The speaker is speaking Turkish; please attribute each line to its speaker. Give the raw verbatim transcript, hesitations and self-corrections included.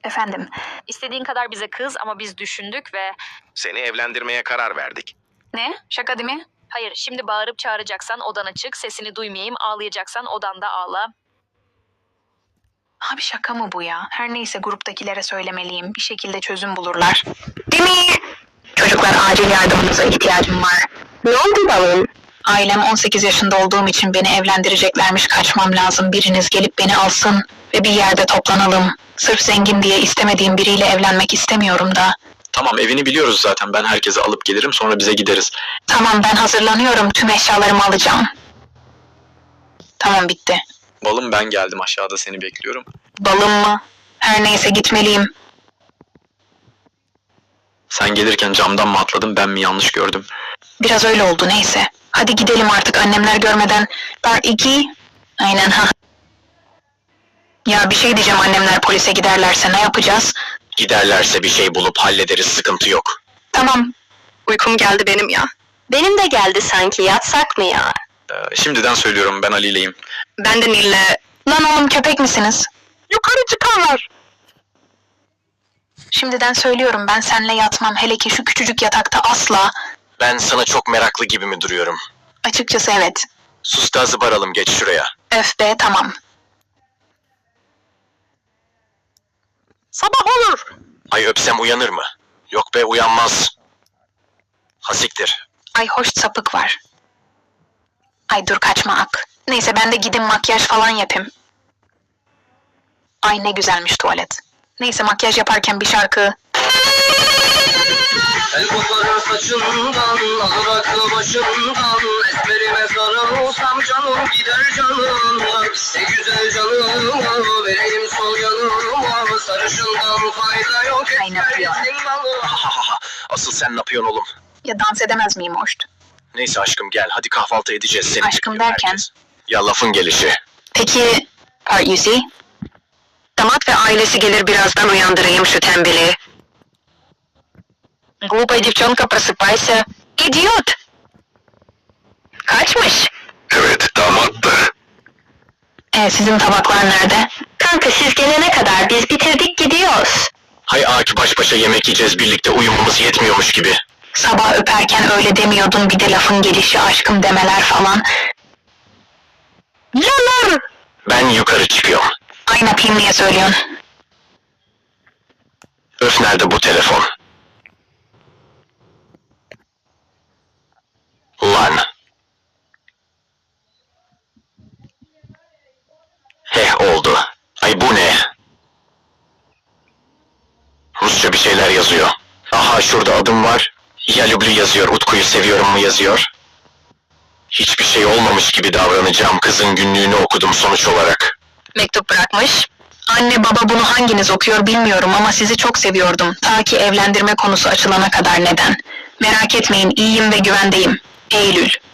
Speaker 1: Efendim,
Speaker 2: İstediğin kadar bize kız ama biz düşündük ve...
Speaker 3: Seni evlendirmeye karar verdik.
Speaker 1: ne? Şaka değil mi?
Speaker 2: Hayır, şimdi bağırıp çağıracaksan odana çık, sesini duymayayım, ağlayacaksan odanda ağla.
Speaker 1: Abi şaka mı bu ya? Her neyse gruptakilere söylemeliyim. Bir şekilde çözüm bulurlar. Değil mi? Çocuklar acil yardımınıza ihtiyacım var.
Speaker 4: Ne oldu balım?
Speaker 1: Ailem on sekiz yaşında olduğum için beni evlendireceklermiş, kaçmam lazım. Biriniz gelip beni alsın ve bir yerde toplanalım. Sırf zengin diye istemediğim biriyle evlenmek istemiyorum da.
Speaker 5: Tamam, evini biliyoruz zaten. Ben herkese alıp gelirim, sonra bize gideriz.
Speaker 1: Tamam, ben hazırlanıyorum. Tüm eşyalarımı alacağım. Tamam, bitti.
Speaker 5: Balım, ben geldim, aşağıda seni bekliyorum.
Speaker 1: Balım mı? Her neyse, gitmeliyim.
Speaker 5: Sen gelirken camdan mı atladın, ben mi yanlış gördüm?
Speaker 1: Biraz öyle oldu, neyse. Hadi gidelim artık annemler görmeden. Part iki. Aynen ha. Ya bir şey diyeceğim, annemler polise giderlerse ne yapacağız?
Speaker 5: Giderlerse bir şey bulup hallederiz, sıkıntı yok.
Speaker 1: Tamam.
Speaker 4: Uykum geldi benim ya. Benim de geldi sanki, yatsak mı ya?
Speaker 5: Ee, şimdiden söylüyorum, ben Ali'yleyim.
Speaker 4: Ben de Nil'le...
Speaker 1: Lan oğlum, köpek misiniz?
Speaker 4: Yukarı çıkarlar.
Speaker 1: Şimdiden söylüyorum, ben seninle yatmam. Hele ki şu küçücük yatakta asla.
Speaker 5: Ben sana çok meraklı gibi mi duruyorum?
Speaker 1: Açıkçası evet.
Speaker 5: Sus da zıbaralım, geç şuraya.
Speaker 1: Öf be, tamam.
Speaker 4: Sabah olur.
Speaker 5: Ay öpsem uyanır mı? Yok be, uyanmaz. Hasiktir.
Speaker 1: Ay hoş, sapık var. Ay dur, kaçma ak. Neyse, ben de gidin makyaj falan yapayım. Ay ne güzelmiş tuvalet. Neyse, makyaj yaparken bir şarkı.
Speaker 6: El koparır saçından, alır aklı başımdan. Esmerime sarılsam canım gider canım. Ne güzel canım, vereyim sol yanıma. Sarışından fayda yok.
Speaker 1: Ay ne yapıyor?
Speaker 5: Asıl sen ne yapıyorsun oğlum?
Speaker 1: Ya dans edemez miyim hoş?
Speaker 5: Neyse aşkım, gel hadi kahvaltı edeceğiz. Seni
Speaker 1: Aşkım
Speaker 5: bekliyor
Speaker 1: derken?
Speaker 5: herkes. Ya lafın gelişi.
Speaker 1: Peki, part you see?
Speaker 4: Damat ve ailesi gelir, birazdan uyandırayım şu tembeli. Глупая девчонка, просыпайся. İdiot! Kaçmış?
Speaker 5: Evet, damattı.
Speaker 1: E, sizin tabaklar nerede?
Speaker 4: Kanka siz gelene kadar biz bitirdik, gidiyoruz.
Speaker 5: Hay Aki, baş başa yemek yiyeceğiz birlikte, uyumamız yetmiyormuş gibi.
Speaker 1: Sabah öperken öyle demiyordun, bir de lafın gelişi, aşkım demeler falan.
Speaker 4: Yanar!
Speaker 5: Ben yukarı çıkıyorum.
Speaker 1: Ay ne yapayım, niye söylüyorsun?
Speaker 5: Öf, nerede bu telefon? Lan. Heh, oldu. Ay bu ne? Rusça bir şeyler yazıyor. Aha, şurada adım var. Ya Lüblü yazıyor, Utku'yu seviyorum mu yazıyor. Hiçbir şey olmamış gibi davranacağım, kızın günlüğünü okudum sonuç olarak.
Speaker 4: Mektup bırakmış.
Speaker 1: Anne baba, bunu hanginiz okuyor bilmiyorum ama sizi çok seviyordum. Ta ki evlendirme konusu açılana kadar. Neden? Merak etmeyin, iyiyim ve güvendeyim. Eylül.